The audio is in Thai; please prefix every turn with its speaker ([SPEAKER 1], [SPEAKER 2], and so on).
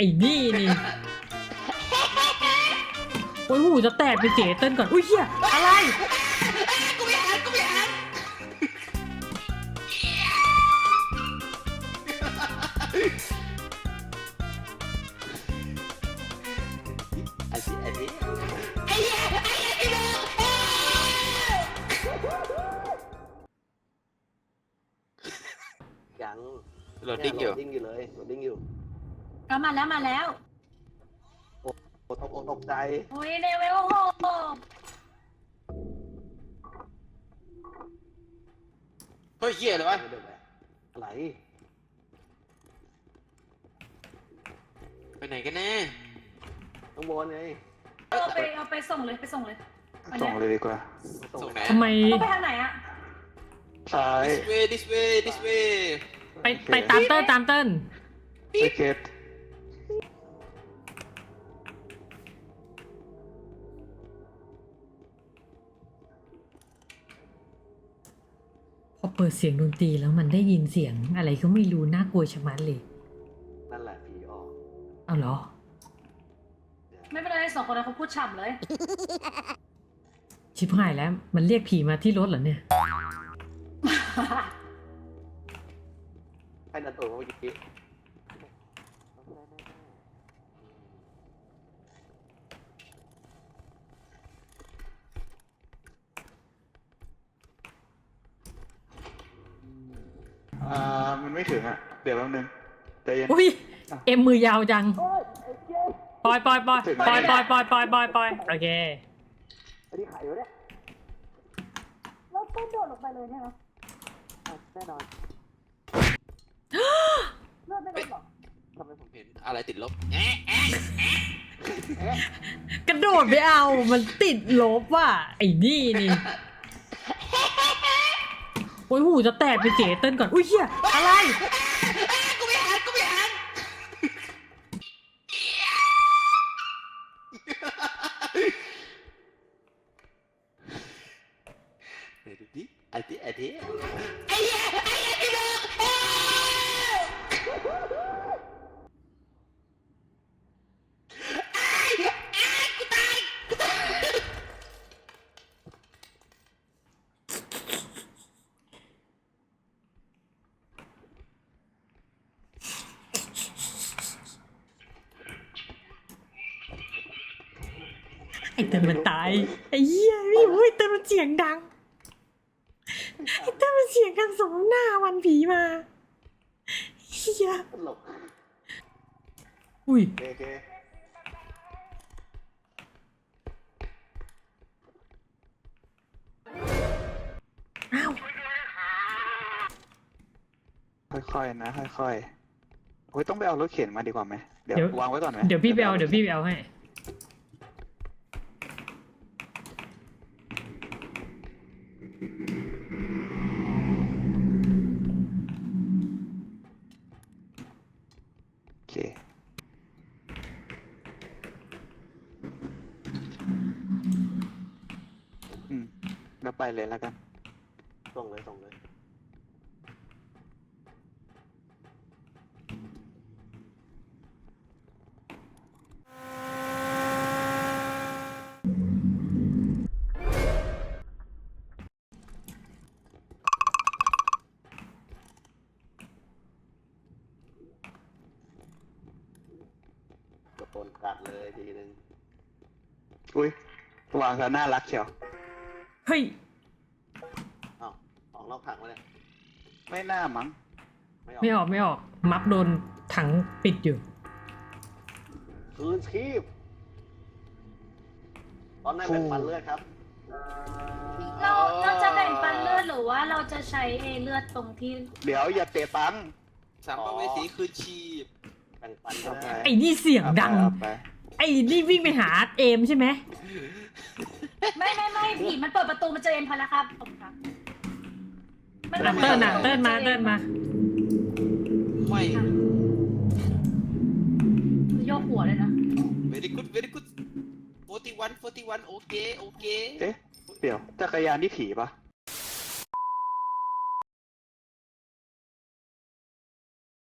[SPEAKER 1] อ้นี่นี่โอ้ยหูจะแตกไปเจ๋เต้นก่อนอุ้ยเฮียอะไร
[SPEAKER 2] กูไม่อ่านอันนี้ไอ้เหี้ยพี่น้องยังโหลดดิ้งอยู่เลยโหลดดิ้งอยู่
[SPEAKER 3] ก็มาแล้ว
[SPEAKER 2] ตกใจ
[SPEAKER 3] โอ้ยเลเวล6
[SPEAKER 2] เฮ้ยเหี้ยอะไรวะอะไรไปไหนกันแน่ต้องบนไง
[SPEAKER 3] เอาไปส่งเลย
[SPEAKER 4] ส่งเลยดีกว่า
[SPEAKER 2] ส่งไหน
[SPEAKER 1] ทำไม
[SPEAKER 3] ต้องไปทางไหนอะ
[SPEAKER 4] ซ้าย
[SPEAKER 2] this way
[SPEAKER 1] ไปตามเติ้ล
[SPEAKER 4] ไปเก็ต
[SPEAKER 1] พอเปิดเสียงดนตรีแล้วมันได้ยินเสียงอะไรก็ไม่รู้น่ากลัวชะมัดเลย
[SPEAKER 2] นั่นแหละผีออก
[SPEAKER 1] เอาเหรอ
[SPEAKER 3] ไม่เป็นไร2 คนนั้นเขาพูดฉ่ำเลย
[SPEAKER 1] ชิบหายแล้วมันเรียกผีมาที่รถเหรอเนี่ย
[SPEAKER 2] ให้นันตัวเมื่อกี้
[SPEAKER 4] มันไม่ถึงอ่ะเดี๋ยวแป๊บนึงใจเย็น
[SPEAKER 1] อุ้ยเอ็มมือยาวจังปล่อยโอเค
[SPEAKER 2] อันนี้ไข่อยู่เนี่ย
[SPEAKER 3] แล้วต้นโดดลงไปเลยใช่ไหม
[SPEAKER 2] แน่นอน
[SPEAKER 3] เลือดไม่ลดหรอ
[SPEAKER 2] ทำไมผมเห็นอะไรติดลบ
[SPEAKER 1] กระโดดไปเอามันติดลบว่ะไอ้นี่นี่โอ้ยหูจะแตกไปเจ๋เต้นก่อนอุ้ยเฮียอะไร
[SPEAKER 2] กูไม่อ่านเดี๋ยวดูดิอันนี้ไอ้เหี้ยพี่น้อง
[SPEAKER 1] ไอ้เต้นมันตายไอ้เหี้ยพี่โอ้ยเต้นมันเสียงดังไอ้เต้นมันเสียงดังสมหน้าวันผีมาเฮีย
[SPEAKER 2] ตลก
[SPEAKER 4] โอ
[SPEAKER 1] อุ้ย
[SPEAKER 4] เค
[SPEAKER 1] อ้าว
[SPEAKER 4] ค่อยๆนะค่อยๆโอ้ยต้องไปเอารถเข็นมาดีกว่าไหมเดี๋ยววางไว้ก่อนไหม
[SPEAKER 1] เดี๋ยวพี่ไปเอาให้
[SPEAKER 4] โอเคแล้วไปเลยแล้วกัน
[SPEAKER 2] ส่งเลยโดนกัดเลยทีนึง
[SPEAKER 4] อุ้ยวางซะน่ารักเชียว
[SPEAKER 1] เฮ้ย
[SPEAKER 2] อ้าวออกนอกถังมาเนี่ย
[SPEAKER 4] ไม่น่ามั้ง
[SPEAKER 1] ไม่ออกมัฟโดนถังปิดอยู่
[SPEAKER 2] คืนชีพตอนนั้นเป็นปันเลือดครับ
[SPEAKER 3] เราจะแบ่งปันเลือดหรือว่าเราจะใช้เลือดตรงที่
[SPEAKER 4] เดี๋ยวอย่าเตะตังค์
[SPEAKER 2] สามภเวสีคืนชีพแบ่งปันก็ได้
[SPEAKER 1] ไอ้นี่เสียงดัง
[SPEAKER 4] เอาไป
[SPEAKER 1] ไอ้นี่วิ่งไปหาเอมใช่ไหม
[SPEAKER 3] ไม่ผีมันเปิดประตูมาเจอเอ็มพอแล้วครับผมครับ
[SPEAKER 1] เติ้ลมา
[SPEAKER 2] ไม่
[SPEAKER 3] โยกหัวเลยนะ
[SPEAKER 2] very good 41 โอเค
[SPEAKER 4] เอ๊ะเดี๋ยวจักรยานนี่ผีปะ